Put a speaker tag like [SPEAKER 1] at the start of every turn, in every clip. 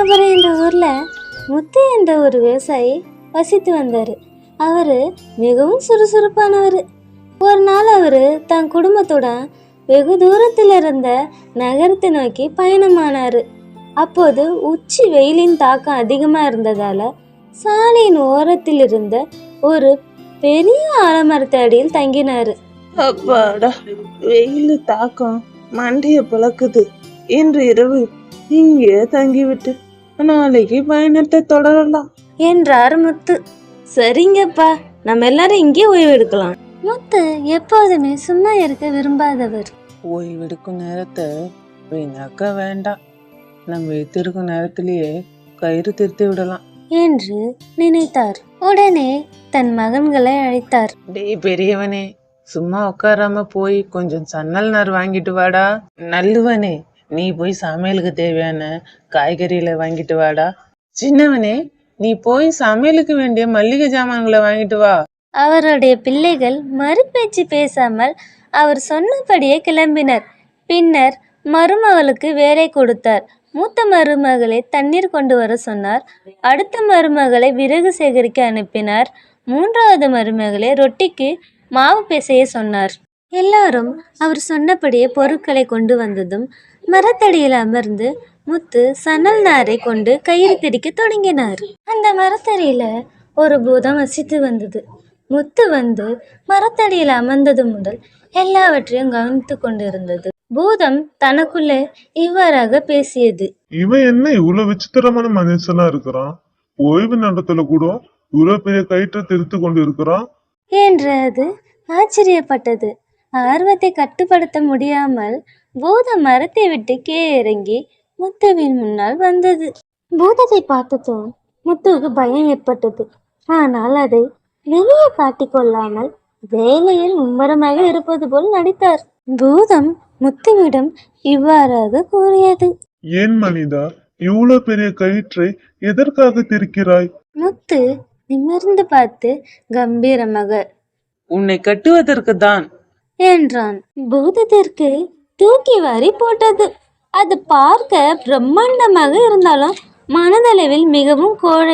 [SPEAKER 1] ராமபுரம் என்ற ஊர்ல முத்து என்ற ஒரு விவசாயி வசித்து வந்தாரு. அவரு மிகவும் சுறுசுறுப்பானவர். ஒரு நாள் அவரு தன் குடும்பத்துடன் வெகு தூரத்தில் இருந்த நகரத்தை நோக்கி பயணமானாரு. அப்போது உச்சி வெயிலின் தாக்கம் அதிகமா இருந்ததால சாலையின் ஓரத்தில் இருந்த ஒரு பெரிய ஆலமரத்து அடியில் தங்கினாரு.
[SPEAKER 2] அப்பாடா, வெயில் தாக்கம் மண்டைய பிளக்குது. இன்று இரவு இங்கே தங்கிவிட்டு நாளைக்கு பயணத்தை தொடரலாம்
[SPEAKER 1] என்றார் முத்து. சரிங்கப்பா, நம்ம எல்லாரும் இங்கே ஓய்வு எடுக்கலாம். முத்து எப்போதுமே சும்மா இருக்க விரும்பாதவர்.
[SPEAKER 2] ஓய்வெடுக்கும் நேரத்தை வீணாக்க வேண்டாம், நம்ம வைத்திருக்கும் நேரத்திலேயே கயிறு திருத்தி விடலாம்
[SPEAKER 1] என்று நினைத்தார். உடனே தன் மகன்களை அழைத்தார்.
[SPEAKER 2] டேய் பெரியவனே, சும்மா உட்காராம போய் கொஞ்சம் சன்னல் நார் வாங்கிட்டு வாடா. நல்லுவனே, நீ போய் சமையலுக்கு தேவையான காய்கறிகளை வாங்கிட்டு வாடா. சின்னவனே, நீ போய் சமையலுக்கு வேண்டிய மல்லிகை ஜாமான்களை வாங்கிட்டு வா.
[SPEAKER 1] அவருடைய பிள்ளைகள் மறுபேச்சு பேசாமல் அவர் சொன்னபடியே கிளம்பினர். பின்னர் மருமகளுக்கு வேலை கொடுத்தார். மூத்த மருமகளை தண்ணீர் கொண்டு வர சொன்னார். அடுத்த மருமகளை விறகு சேகரிக்க அனுப்பினார். மூன்றாவது மருமகளை ரொட்டிக்கு மாவு பிசைய சொன்னார். எல்லாரும் அவர் சொன்னபடியே பொருட்களை கொண்டு வந்ததும் மரத்தடியில் அமர்ந்து முத்து சணல் நாரை கொண்டு கயிறு திரிக்க தொடங்கினார். அந்த மரத்தடியில ஒரு பூதம் வசித்து வந்தது. முத்து வந்து மரத்தடியில் அமர்ந்தது முதல் எல்லாவற்றையும் கவனித்து கொண்டிருந்தது. பூதம் தனக்குள்ளே இவ்வாறாக பேசியது.
[SPEAKER 3] இவன் என்ன இவ்வளவு விசித்திரமான மனுஷனா இருக்கிறான்? ஓய்வு நேரத்துல கூட இவ்வளவு பெரிய கயிற்றை திருத்து கொண்டு இருக்கிறான்
[SPEAKER 1] என்று அது ஆச்சரியப்பட்டது. ஆர்வத்தை கட்டுப்படுத்த முடியாமல் பூதம் மரத்தை விட்டு கீழே இறங்கி முத்துவின் முன்னால் வந்தது. பூதத்தை பார்த்ததும் முத்துவுக்கு பயம் ஏற்பட்டது. ஆனால் அதை வெளியே காட்டிக்கொள்ளாமல் வேலையில் மும்முரமாக இருப்பது போல் நடித்தார். பூதம் முத்துவிடம் இவ்வாறாக கூறியது.
[SPEAKER 3] ஏன் மனிதா, இவ்வளவு பெரிய கயிற்றை எதற்காக திரிக்கிறாய்?
[SPEAKER 1] முத்து நிமிர்ந்து பார்த்து கம்பீரமாக,
[SPEAKER 2] உன்னை கட்டுவதற்கு தான்
[SPEAKER 1] என்றான். பூதத்திற்கு தூக்கி வாரி போட்டது. அது பார்க்க பிரம்மாண்டமாக இருந்தாலும் மனதளவில் மிகவும் கோழை.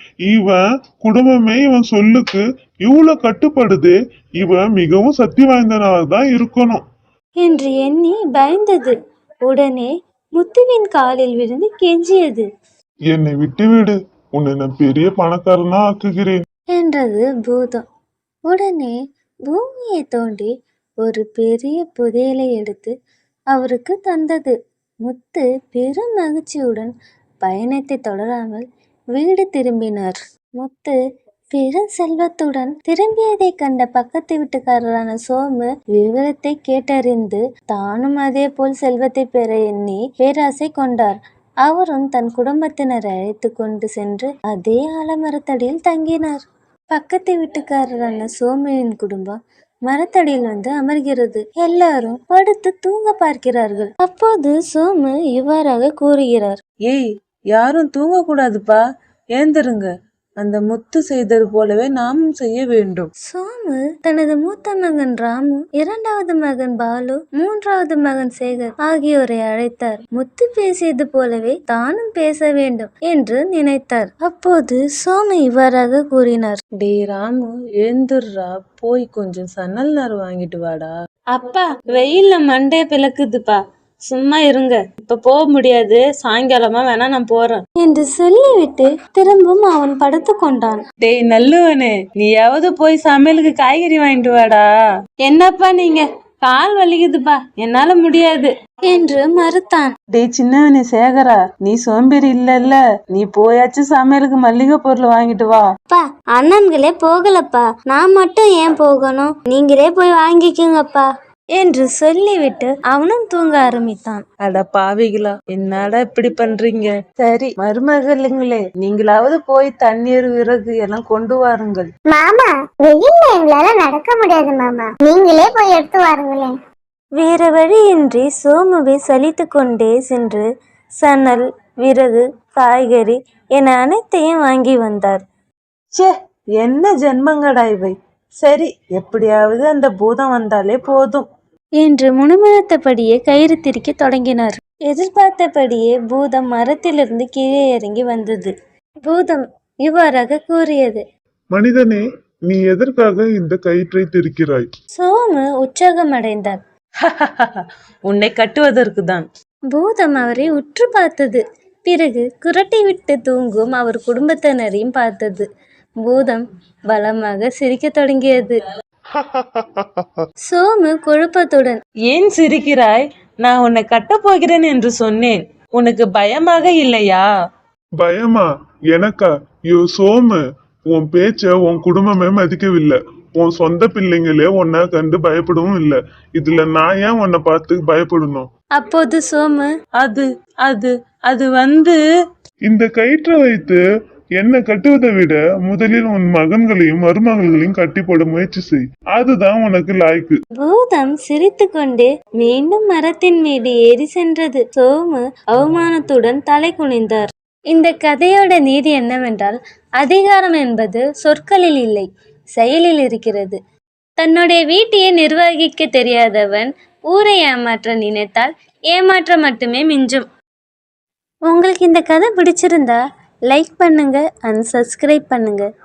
[SPEAKER 3] இவன் குடும்பமே இவன் சொல்லுக்கு இவ்வளவு கட்டுப்படுது. இவன் மிகவும் சக்தி வாய்ந்தனால்தான் இருக்கணும்
[SPEAKER 1] என்று எண்ணி பயந்தது. உடனே முத்துவின் காலில் விழுந்து கெஞ்சியது.
[SPEAKER 3] என்னை விட்டுவிடு, உன்னை நான் பெரிய பணக்காரனா ஆக்குகிறேன்
[SPEAKER 1] என்றது பூதம். உடனே பூமியை தோண்டி ஒரு பெரிய புதையலை எடுத்து அவருக்கு தந்தது. முத்து பெரும் மகிழ்ச்சியுடன் பயணத்தை தொடராமல் வீடு திரும்பினார். முத்து பெரும் செல்வத்துடன் திரும்பியதை கண்ட பக்கத்து வீட்டுக்காரரான சோமு விவரத்தை கேட்டறிந்து தானும் அதே போல் செல்வத்தை பெற எண்ணி பேராசை கொண்டார். அவரும் தன் குடும்பத்தினரை அழைத்து கொண்டு சென்று அதே ஆலமரத்தடியில் தங்கினார். பக்கத்து வீட்டுக்காரரான சோமுவின் குடும்பம் மரத்தடியில் வந்து அமர்கிறது. எல்லாரும் படுத்து தூங்க பார்க்கிறார்கள். அப்போது சோமு இவ்வாறாக கூறுகிறார்.
[SPEAKER 2] ஏய், யாரும் தூங்க கூடாதுப்பா, ஏந்திருங்க. அந்த முத்து செய்தது போலவே நாமும் செய்ய வேண்டும்.
[SPEAKER 1] சோமு தனது மூத்த மகன் ராமு, இரண்டாவது மகன் பாலு, மூன்றாவது மகன் சேகர் ஆகியோரை அழைத்தார். முத்து பேசியது போலவே தானும் பேச வேண்டும் என்று நினைத்தார். அப்போது சோமு இவ்வாறாக கூறினார்.
[SPEAKER 2] டே ராமு, எழுந்துடுறா, போய் கொஞ்சம் சன்னல் நார் வாங்கிட்டு வாடா.
[SPEAKER 1] அப்பா, வெயில்ல மண்டைய பிளக்குதுப்பா, சும்மா இருங்க, இப்ப போக முடியாது, சாயங்காலமா வேணா நான் போறேன் என்று சொல்லிவிட்டு திரும்பவும் அவன் படுத்து கொண்டான்.
[SPEAKER 2] டேய் நல்லுவனே, நீயாவது போய் சமையலுக்கு காய்கறி வாங்கிட்டு வாடா.
[SPEAKER 1] என்னப்பா நீங்க, கால் வலிக்குதுப்பா, என்னால முடியாது என்று மறுத்தான்.
[SPEAKER 2] டேய் சின்னவனே சேகரா, நீ சோம்பேறி இல்ல, நீ போயாச்சும் சமையலுக்கு மல்லிகை பொருள் வாங்கிட்டு வா.
[SPEAKER 1] அப்பா, அண்ணன்களே போகலப்பா, நான் மட்டும் ஏன் போகணும், நீங்களே போய் வாங்கிக்கோங்கப்பா என்று சொல்லிவிட்டு அவனும் தூங்க ஆரம்பித்தான்.
[SPEAKER 2] அட பாவிகளா, என்னடா இப்படி பண்றீங்க? சரி மருமகளுங்களே, நீங்களாவது போய் தண்ணீர் விறகு எல்லாம் கொண்டு வாருங்கள்.
[SPEAKER 4] மாமா, வெயில்ல எங்களால நடக்க முடியாது மாமா, நீங்களே போய் எடுத்து வாருங்களேன்.
[SPEAKER 1] வேற வழியின்றி சோமுவை சலித்து கொண்டே சென்று சணல், விறகு, காய்கறி என அனைத்தையும் வாங்கி வந்தார்.
[SPEAKER 2] சே, என்ன ஜென்மங்கடா இவை. சரி, எப்படியாவது அந்த பூதம் வந்தாலே போதும்
[SPEAKER 1] என்று முணுமுணுத்தபடியே கயிறு திரிக்க தொடங்கினார். எதிர்பார்த்தபடியே பூதம் மரத்திலிருந்து கீழே இறங்கி வந்தது. பூதம் இவ்வாறாக கூறியது.
[SPEAKER 3] மனிதனே, நீ எதற்காக இந்த கயிற்றை திரிக்கிறாய்?
[SPEAKER 1] சோமு உற்சாகமடைந்தார்.
[SPEAKER 2] உன்னை கட்டுவதற்கு தான்.
[SPEAKER 1] பூதம் அவரை உற்று பார்த்தது. பிறகு குரட்டை விட்டு தூங்கும் அவர் குடும்பத்தினரையும் பார்த்தது. பூதம் பலமாக சிரிக்கத் தொடங்கியது. சோமு குழப்பத்துடன்,
[SPEAKER 2] ஏன் சிரிக்கிறாய்? நான் உன்னை கட்டப் போகிறேன் என்று சொன்னேன். உனக்கு பயமாக இல்லையா?
[SPEAKER 3] பயமா? எனக்கா? யோ சோமு, உன் பேச்ச உன் குடும்பமே மதிக்கவில்லை. உன் சொந்த பிள்ளைங்களே உன்னை கண்டு பயப்படவும் இல்லை. இதுல நான் ஏன் உன்னை பார்த்து பயப்படணும்?
[SPEAKER 1] அப்போது சோமு,
[SPEAKER 2] அது அது அது வந்து
[SPEAKER 3] இந்த கயிற்றை வைத்து என்னை கட்டுவதை விட முதலில் உன் மகன்களையும் மருமகள்களையும் கட்டி போட முயற்சி செய். அதுதான் உனக்கு லாய்க்கு.
[SPEAKER 1] பூதம் சிரித்துக்கொண்டே மீண்டும் மரத்தின் மீது ஏறி சென்றது. சோமு அவமானத்துடன் தலை குனிந்தார். இந்த கதையோட நீதி என்னவென்றால், அதிகாரம் என்பது சொற்களில் இல்லை, செயலில் இருக்கிறது. தன்னுடைய வீட்டையே நிர்வகிக்க தெரியாதவன் ஊரை ஏமாற்ற நினைத்தால் ஏமாற்றம் மட்டுமே மிஞ்சும். உங்களுக்கு இந்த கதை பிடிச்சிருந்தா லைக் பண்ணுங்க அண்ட் சப்ஸ்கிரைப் பண்ணுங்க.